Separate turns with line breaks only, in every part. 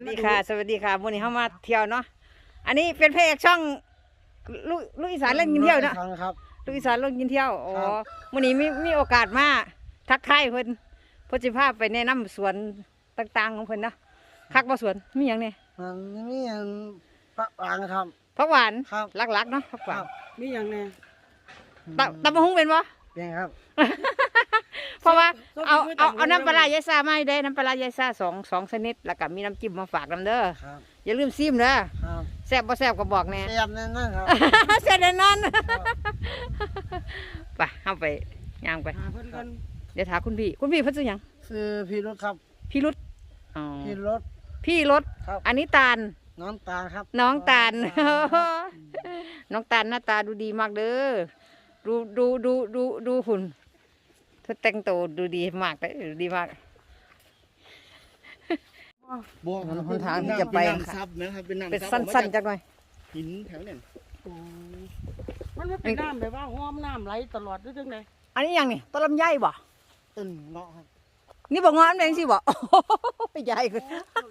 สวัสดีค่ะสวัสดีค่ะวันนี้เข้ามาเที่ยวเนาะอันนี้เป็นเพจช่องลูกอีสานเล่นกินเที่ยวเนาะลูกอีสานเล่นกินเที่ยวอ๋อวันนี้มีโอกาสมาทักทายเพิ่นจะพาไปแนะนำสวนต่างๆของเพิ่นนะคักบ่สวนมีอย่างเนี่ย
มีอย่างผักหวานครับ
ผักหวาน
ครับ
หลักๆเนาะผักหวาน
มีอย่างเนี่ย
ตำบักหุ่งเป็นบ่
เป็นครับ
เพราะว่าเอาน้ำปลาร้ายายซ่ามาให้ได้น้ำปลาร้ายายซ่าสองชนิดแล้วก็มีน้ำจิ้มมาฝากนำเด้ออย่าลืมซิมเด้อแซ่บบ่แซ่บก็บอกแน่
แซ่บแน่นอนครับ
แซ่บแน่นอนไปเอาไปย่างไปเดี๋ยวถามคุณพี่เพิ่นชื่อหยัง
คือพี่รถครับ
พี่รุดพี่รถอันนี้ตาล
น้องตาลครับ
น้องตาลน้องตาลหน้าตาดูดีมากเด้อดูหุ่นเธอแต่งตัวดูดีมากเลยดีมากหนทางที่จะไปเป็นสั้นๆจังหน่อย
หินแถวเนี่ย
มันไม่เป็นน้ำแบบว่าห้อมน้ำไหลตลอดด้วยจังไง
อันนี้ยังนี่ต้นลำไยบ่
ต้นเงาะครับ
นี่บอกเงาะนั่นเองสิบ่ใหญ่ขึ้น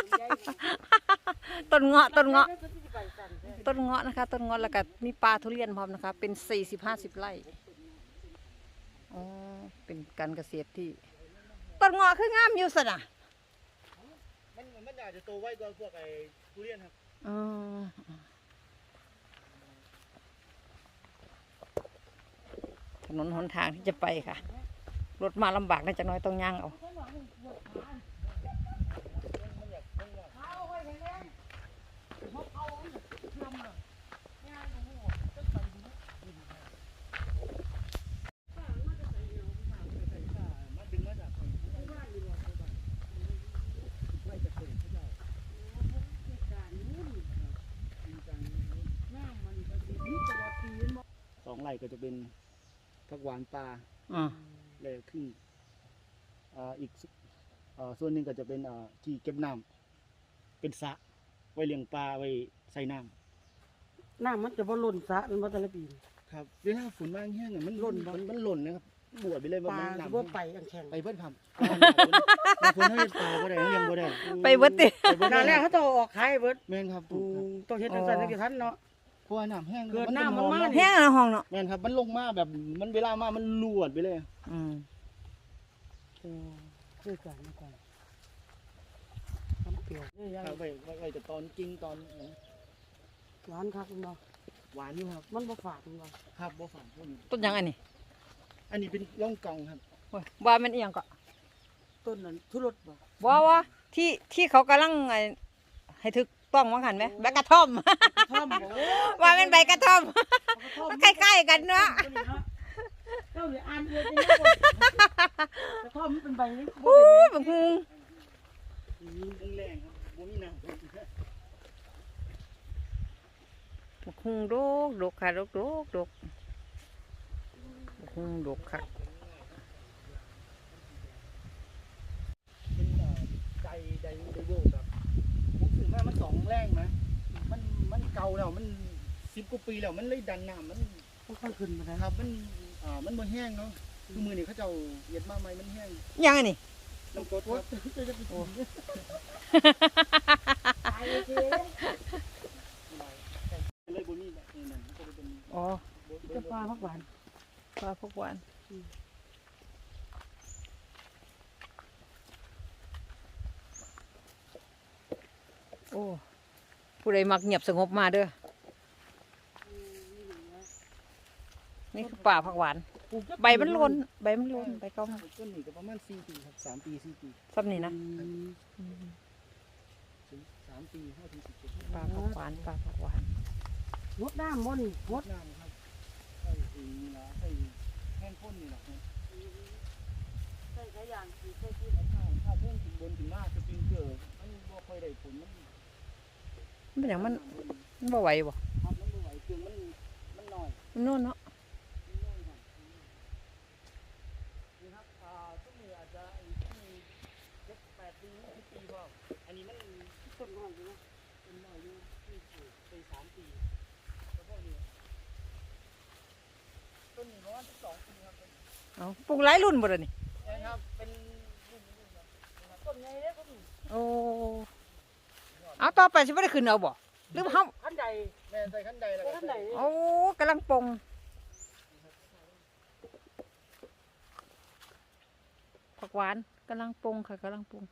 ต้นเงาะนะคะต้นเงาะแล้วก็มีปลาทุเรียนพร้อมนะคะเป็น40-50 ไร่อ๋อเป็นการเกษตรที่ต้นเงาะคืองามอยู่สินะ
มันอาจจะโตไวกว่าพวกไอ้ทุเรียนครับ
ถนนหนทางที่จะไปค่ะรถมาลำบากนะจังน้อยต้องย่างเอา
2 ไร่ก็จะเป็นผักหวานปลาเลยขึ้นอีกส่วนหนึ่งก็จะเป็นที่เก็บน้ำเป็นสระไว้เลี้ยงปลาไว้ใส่น้
ำมันจะบ่ล้นสระเป็นบ่แต่ละปี
ครับเวลาฝนมาแห้งมันล้นนะครับบวชไปเลย
ปลาบ่ไปอันแข็ง
ไปเพิ่นครับคนให้ปลาบ่ได้เลี้ยงบ่ได้
ไปเบิดติ
นั่นแหละเขาต้องออกขายเบิด
แม่นครับ
ต้องเฮ็ดจังซั่นจังทันเนาะ
เพราะว่าน้ำแห้ง
เกิดน้ำมันมา
แห้งในห้องเนาะ
แม่นครับมันลงมาแบบมันเวลามามันลวดไปเลย
คือกันน้ำเปรี้ยว
ครับไปแต่ตอนจริงตอน
หวานคักเนาะ
หวานอยู่ครับ
มันบ่ฝาดเนาะ
ครับบ่ฝาด
ต้นยังอันนี้
เป็นร่องกองครับ
ว่ามันเอียงก็
ต้นนั้นทุรส
บ่ว่าที่เขากำลังให้ถึกต้องว่าหันไหมใบกระท่อมว่าเป็นใบกระท่อมใกล้ๆกันเนาะ
เจ้าเนี่ยอ่านเลยกระท่อมเป็นใบนี้
บังคุง
แรงครับบ่มีน้ำ
บังคุงดกค่ะดกบังคุงดกค่ะ
ใจโยกครับผมถึงว่ามัน2 แรงนะมันเก่าแล้วมัน10 กว่าปีแล้วมันเลยดันน้ำมัน
ค่อยขึ้นมาครับ
มันบ่แห้งเนาะคือมือนี่เขาเจ้าเย็ดมาใหม่มันแห้ง
ยังไงนี่
น้ำกรดครับเลยบ่มีนั่นก็จะเป็น
จะปลาผักหวาน
โอ้ผู้ใดมักเงียบสงบมาเด้อนี่คือป่าผักหวานใบมันล้นใบเก่า
ต้นนี้ก็ประมาณ4 ปีครับ3 ปี 4 ปี
ซ้ำนี่นะ
3 ปี5 ถึง
17ป่าผักหวาน
งดน้ำมัน
งดน้ำครับใส่แห้งข้นนี่แหละ
ใส่ขยันใส่ที่
ถ้าเพิ่มถึงบนถึงหน้าสปริงเกอร์มันบ่ค่อยได้ผลมัน
เป็นอย่างมันบ่ไหวบ่
ครับมันบ่ไหวเครื่องมันน้อย
มันโน่นเนาะ
นี่ครับต้นนี้อาจจะที่8 ปี10 ปีบ่อันนี้มัน
ต้นน้อยอยู่นะ
ต้นน้อยอยู่ที่ไป3 ปีแล้วพวกนี้ต้นนี้ประมาณ2 ปีครับ
ปลูกหลายรุ่นบ่ล่ะนี่
ครับเป็นรุ่น
ต้นใหญ่เด้อต้น
โอ้ต่อไปสิบ่ได้ขึ้นเอาบ่หรือว่าเฮา
ขั้นใด
แม่ใส่ขั้นใดแล้ว
ขั้นใด
โอ้กำลังปรุงผักหวานกำลังปรุงค่ะกำลังปรุง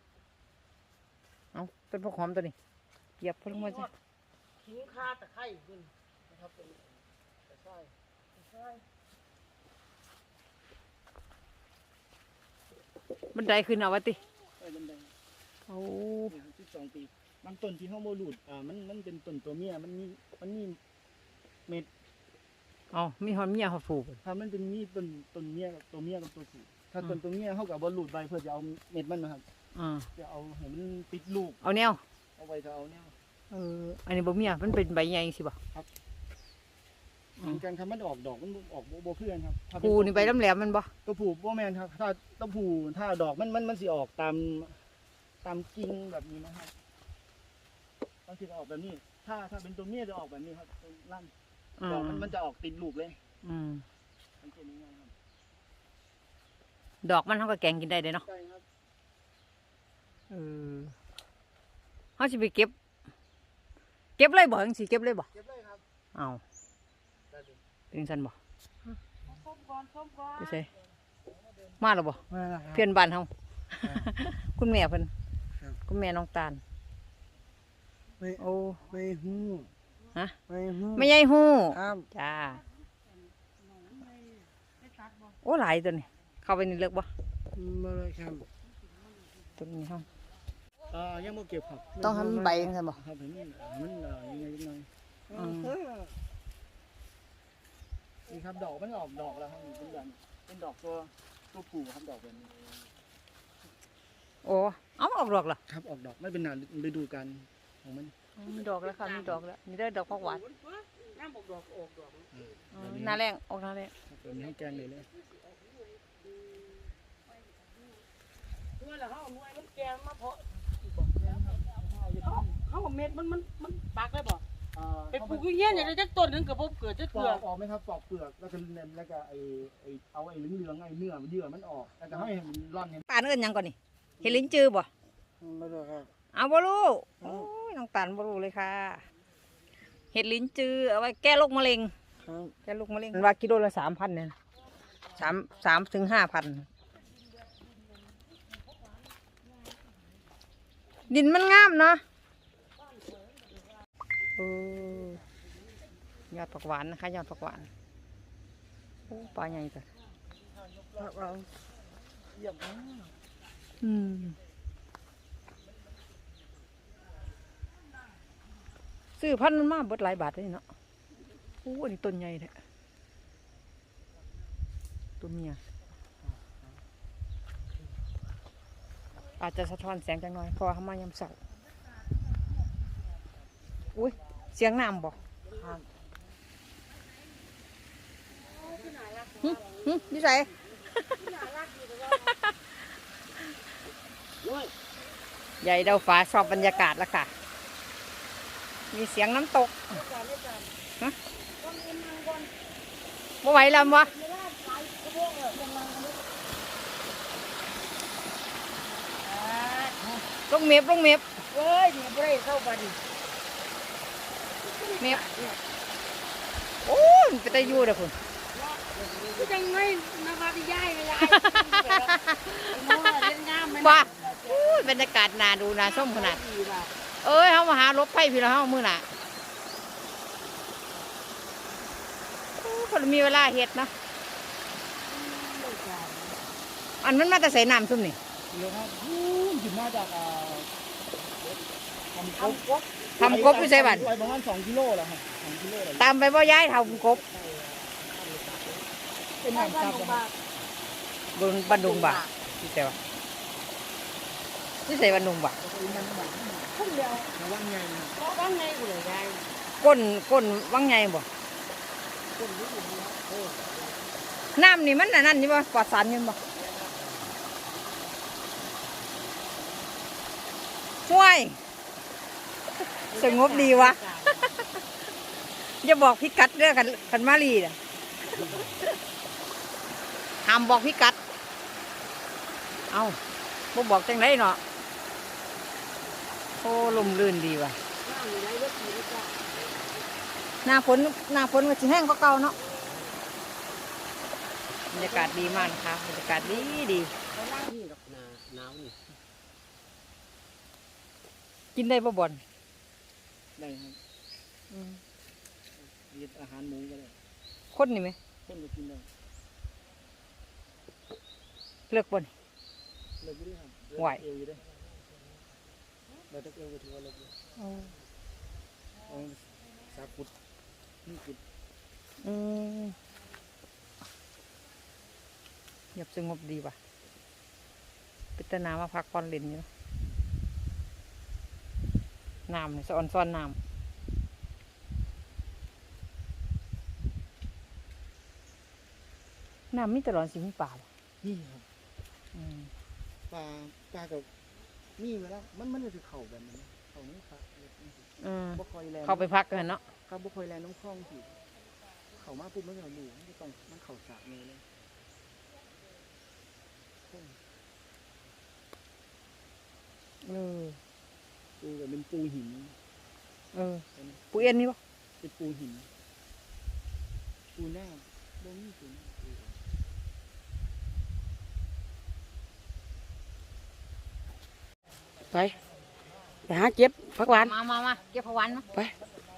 เอาต้นผักหอมตัวนี้เหยียบพลงมาจ้ะ
ขิงคาตะไคร้ขึ้น
นะครับเป็นกระชาย
ใช่
บันไดขึ้นเอาวะติ
ใส่บันได
โอ้
12 ปีบางต้นที่เฮาบ่รูดมันเป็นต้นตัวเมียมันมีเม็ด
เอามีหอมเมียหอมผูก
ถ้ามันเป็นมีต้นเมียกับตัวเมียกับตัวผู้ถ้าต้นตัวเมียเฮาก็บ่รูดใบเพื่อจะเอาเม็ดมันนะครับ จะเอาให้มันติดลูก
เอาแนว
เอาไว้ถ้าเอาแนว
อันนี้บ่เมียมันเป็นใบใหญ่สิบ่
เหมือนกันครับมันออกดอกมันออกบ่เพื่อนครับถ้าเป็
ผูนี่ใบแหลมๆมันบ่
ตัวผู้บ่แม่นครับถ้าตัวผู้ถ้าดอกมันสิออกตามกิ่งแบบนี้นะครับบางทีก็ออกแบบนี้ ถ้าเป็นตัวเมียจะออกแบบนี้ครับตัวลั่นดอกมันจะออกติดลูกเลย
อืม
สังเกตง่ายๆครับ
ดอกมันเฮาก็แกงกินได้เด้เนาะ
ใช่ครับ
เฮาสิไปเก็บเลยบ่จังสิเก็บเลยบ่
เก็บเลยครับ
เอา
ได้เลย
เป็นซั่นบ่
ส้มก่อนส้มก่อน
ไปใส่มาแล้วบ่
มาแล้วครับ
เพื่อนบ้านเฮาคุณแม่เพิ่น
ครับ
คุณแม่น้องตาล
ไม่
โอ้
ไม่ฮู้
ฮะ
ไม่ฮู้
ไม่ใหญ่ฮู้
ครับ
จ้า
ไม่ตัดบ่
โอ้หลายตัวนี่เข้าไปนี่เลิกบ่
มาเลยครับ
ตัวนี้เฮา
ยังบ่เก็บครับ
ต้องทำใบจังซั่นบ่
ครับเห็นมันยังไงจังหน่อย
อืม
นี่ครับดอกมันออกดอกแล้วครับเป็นแบบเป็นดอกตัวผู้ครับดอกแบบนี้
โอ้เอาออกดอกเหรอ
ครับออกดอกไม่เป็นหนาฤดูกาลของมัน
มีดอกแล้วค่ะมีดอกแล้วนี่ได้ดอกผักหวาน
น้ำบอกดอกออกดอก
หน้าแรงออกหน้าแรง
แบบนี้ให้แกงเลยเลย
ด้วยแล้วเขาเอาหน่วยมันแกงมาเพาะเขาเอาเม็ดมันปักได้บ่ไปปลูกอย่างเงี้ยอย่างไรจักต้นหนึงก็บ่เกิดจัก
ปอ
เกือก
ออกไหมครับปอกเปลือกแล้วก็แล้วก็เอาไอ้เหลืองๆไอ้เนื้อมันเยื่อมันออกแล้วก็ให้มันร่อนให้
ตาลเอิ้นหยังก่อนนี่เห็ดลิ้นจือบ่
ไม่รู้ครับ
เอาบ่รู้โอ้ยน้องตาลบ่รู้เลยค่ะเห็ดลิ้นจือเอาไว้แก้โรคมะเร็ง
ครับ
แก้โรคมะเร็งว่ากิโลละ3,000เนี่ย3ถึง 5,000ดินมันงามเนาะยอดผักหวานนะคะยอดผักหวานโอ้ปลาใหญ่จัง
เราเยี่ยมมาก
ซื้อพันธุ์มันมาเบิดหลายบาทเลยเนาะโอ้อันนี้ต้นใหญ่แท้ตัวเมียอาจจะสะท้อนแสงจังหน่อยเพราะว่าเขามายามเสาร์อุ้ยเสียงน้ำบอก
ครับ
นิสัยใหญ่เดาฟ้าชอบบรรยากาศแล้วค่ะ มีเสียงน้ำตกฮะบ่ไหวแล้ววะลงเมฟลงเมฟ
เว้ยนี่บ่ได้เข้าไปดิ
เมฟโอ้ยมันไปแต่อยู่เด้อคุณ
ก็ยังไงนะว่าพี่ยายไม่ยายมองเล่นงามไหม
บ้าอู้ยบรรยากาศน่าดูน่าชมขนาด เอ้ยเขามาหารถไฟพี่แล้วเขามือหน่ะคนมีเวลาเฮ็ดเนาะอันมันมาแต่ใส่น้ำซุ่มนี่
เดี๋ยวครับหยิบมาจากทำกบ
ทำกบอยู่ใส่บัน
ไว้ประมาณ2 กิโลแล้วครับ2 กิโลแล้ว
ตามไปบ่ย้ายทำกบ
เป็นน้ำซับนะครับ
บนบันดุงบ่าที่แต่ว่าที่ใส่บันดุงบ่า
พุ่งเดียว
ระวังไงนะ
ว่างไงกูเลยยาย
ก้นวังไงบ่น้ำนี่มันอันนั่นนี่บ่ปลอดสารอยังบ่ห่วยสงบดีวะ อย่าบอกพิกัดเรื่องกันมาลีน่ะห้ามบอกพิกัด เอาบ่บอกจังไรเนาะโอ้อ้ลมลื่นดีว่ะ
น้ำอยู่ไหนเลือดสีเลยจ้า
หน้าฝนก็จะแห้งกว่าเก่าเนาะบรรยากาศดีมากนะคะบรรยากาศดีดี
นี่ดอกนาหนาวนี่
กินได้บ่บ่อน
ได้ครับมีอาหารหมูก็ได้
คนนี่ไหม
คนก็กินได้
เลือกบ่อน
เลิกไม่ได้ครับ
ไหว
เอวอยู่ได้เราจะเอวก็ถือว่าเลิกอยู่เอาสากุดนี่กุด
เงียบสงบดีว่ะพิจารณามาพักผ่อนเล่นอยู่น้ำนี่สะออนซ้อนน้ำมีตลอดสิมีป่าบ่
นี่ครับปลากับมีมาแล้วมันจะเข่าแบบนั้นเข่านี่ครับบ่คอยแลน
เข้าไปพักกันเนาะ
ครับบ่คอยแลนน้ำคลองสิเข่ามาปุ๊บมันก็หลูมันต้องมันเข่าสระเลย ปูแบบเป็นปูหิน
ปูเอ็นนี่ปะ
เป็นปูหินปูหน้าบ่มีปูหน้า
ไปหาเจ็บผักหวาน
มาเก็บผักหวานมา
ไป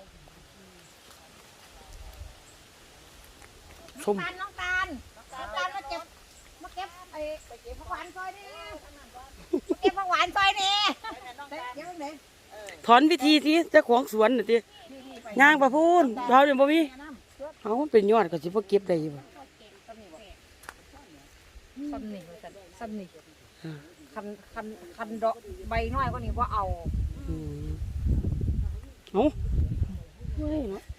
ชม
น้องตาลมาเก็บไอ้ผักหวานซอยนี่เก็บผักหวานซอยนี่เก็บตรงไหน
ถอนวิธีสิเจ้าของสวนน่ะติย่างประพูนเราเดี๋ยวบ่มีเอามันเป็นยอดก็สิบ่เก็บได้อยู่บ่
ซ้ำนี่คันดอกใบน้อยกว่านี้ว่าเอา
อืมเอาเฮ้ยเนาะ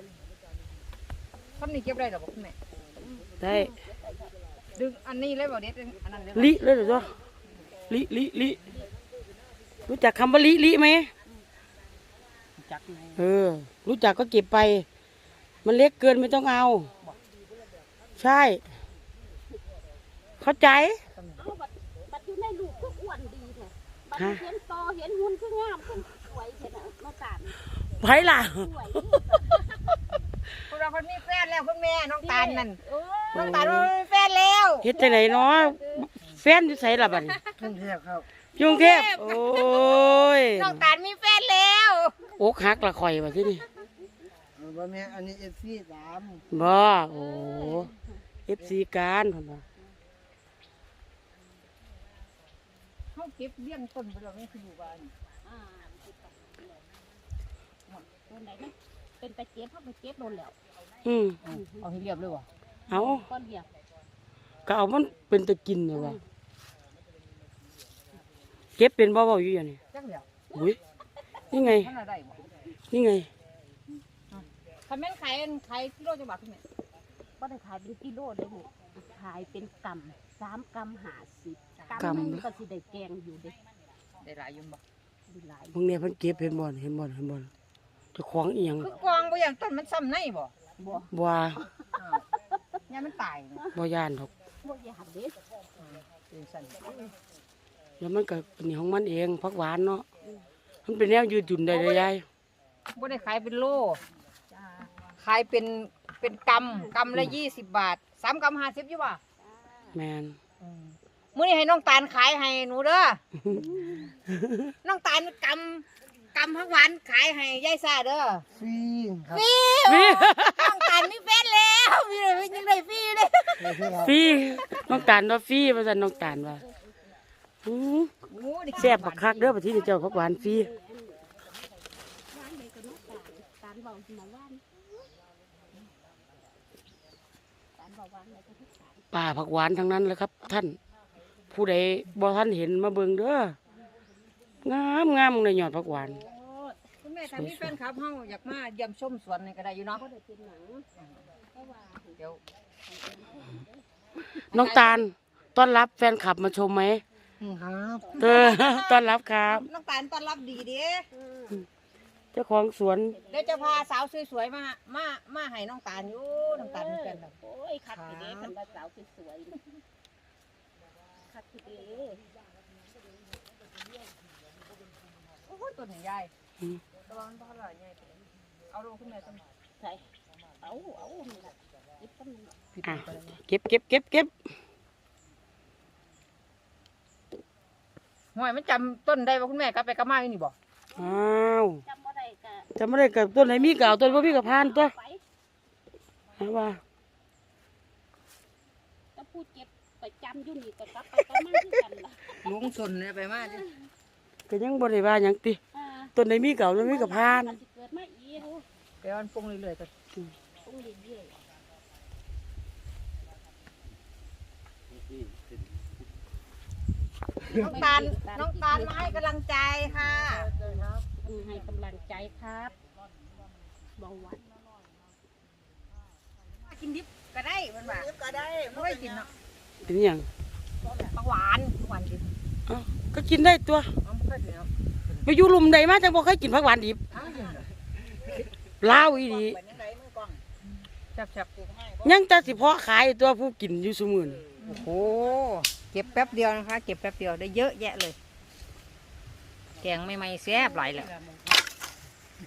ซ้ำนี่เก็บได้หรอบอกคุณแม่
ได้
ดึงอันนี้เลยบอกเด็ดอันนั้นเลย
ลิเลยเหรอจ๊ะลิรู้จักคำว่าลิไหม
จักไง
รู้จักก็เก็บไป มันเล็กเกินไม่ต้องเอา ใช่ เข้าใจ
บัดอยู่ในลูกก็อ้วนดีเนี่ยบัดเห็นโตเห็นหุ่นคืองามคือสวยเห็นมาตาน
ไผล่ะ
สวย
คุณเราคนมีแฟนแล้วคุณแม่น้องตาลนั่น
โอ้
น้องตาลมีแฟนแล้ว
เฮ็ดจังไหนเนาะแฟนอยู่ไสล่ะบัดนี้
กรุงเทพครับ
กรุงเทพโอ้ย
น้องตาลมีแฟนแล้ว
อกหักละข่อยว่าที่นี่
บ่แม่อันนี้FC 3
บ่โอ้ FC การพุ่นว่า
เขาเก็บเลี้ยงต้นไปแล้วนี่คืออยู่บ้าน
ตัวไหนนะเป็นตะเกียบเขาไปเก็บโดนแล้ว
เอาให้เรียบเลยวะ
เอา
ก้อนเดียว
ก็เอามันเป็นตะกินนี่ว่าเก็บเป็นบ่เว้าอยู่อย่างนี้
จังเดียว
อุ้ยนี่ไง
มันอะไรบ่
นี่ไง
คันแม่นขายกิโลจังหวัดคุณแม่
ก็ได้ขายเป็นกิโลได้หมดขายเป็นกำ3 กำ50
กำ
หนึงก็สิได้แกงอยู่เด้
ได้หลายอยู่บ่
ดีหลาย
พวกนี้เพิ่นเก็บเห็นบ่เจ้าของอีหยัง
คือกองบ่อย่างต้นมันซ้ำในบ่
บ่
บ่ว่า
เนี่ยมันตายนะ
บ่ย่านดอก
บ่อยากเด้
เป็นสั่น
แล้วมันก็เป็นของมันเองผักหวานเนาะมันเป็นแนวยืดหยุ่นได้เลยยาย
บ่ได้ขายเป็นโล
จ้า
ขายเป็นกำละ20 บาท3 กำ50อยู่บ่
แมน
มื้อนี้ให้น้องตาลขายให้หนูเด้อ น้องตาลกำผักหวานขายให้ยายซ่าเด้อ
ฟรีครับ
ฟรีน้องตาลมีแฟนแล้วมียังได้ฟรีเลย
ฟรีน้องตาลว่าฟรีว่าซั่นน้องตาลว่าอื้อแซ่บบักคักเด้อบัดนี้เจ้าผักหวานฟรี
ว่านเลยก็น้องตาลเบามาว่านตาลเบาว่านเลยก็ทุกสาร
ป่าผักหวานทั้งนั้นเลยครับ ท่าน ผู้ใดบ่ท่านเห็นมาเบิ่งเด้องามในยอดผักหวาน
คุณแม่ถ้ามีแฟนคลับเฮาอยากมาเยี่ยมชมสวนนี่ก็ได้อยู่เนาะ
ก็ได้เป็นหนังเพราะว่า
เดี๋ยว
น้องตาลต้อนรับแฟนคลับมาชมไหม
ครับ
ต้อนรับครับ
น้องตาลต้อนรับดีเด้
เจ้าของสวน
เดี๋ยวจะพาสาวสวยๆมาให้น้องตาลอยู่น้องตาลมีแฟนแล้ว
โอ้ยคัดทีเด้คันว่าสาวสวยๆคัดทีเด้โอ้
ต้นใหญ่
อืม
ระวังบ่อร่อยใหญ่เอาลงขึ้นมาต้น
ใส่เอานี่ล่ะเก็บต้นนี้
ผิด
อ่ะ
ไปแล้ว
เก็บ
ห่วยมันจำต้นได้บ่คุณแม่กลับไปกลับมาอยู่นี่บ่
อ้าว
จำบ่ได้ก็
จะไม่ได้กับต้นไหนมีเก่าต้นบ่มีกับพานตัว
ไป
หาว่า
ก็พูดเก็บไปจำอยู่นี่ก็กลับไปกลับมาคือกันล่ะ
ลุงสนเนี่ยไปมาดิ
ก็ยังบ่ได้ว่าหยังติ
อ่า
ต้นไหนมีเก่าต้นมีกับพาน
มันสิเกิดมาอีก
ไปวันปรุงเรื่อยๆก็
ต้องเรื่อย
น้องตาลมาให้กำลังใจค่ะ
ๆให้กำลังใจครับเบาหวาน
กินดิบก็ได้มันว่าดิบก็ได้ไม่ได้กินเนาะ
เป็นหยัง
ปักหวานดิบ
อ้าวก็กินได้ตัว
เอาไม่ค่อยกินเนาะ
ไปอยู่ลุมใดมาจังบ่เคยกินผักหวานดิบ
อ้าวกินเหรอ
ลาวอีหลี
แซ่บ
ยังแต่สิเพาะขายตัวผู้กินอยู่ซุมื้อนี้
ๆโอ้โหเก็บแป๊บเดียวนะคะ เก็บแป๊บเดียวได้เยอะแยะเลย แกงใหม่ๆแซ่บหลายแหละ
อ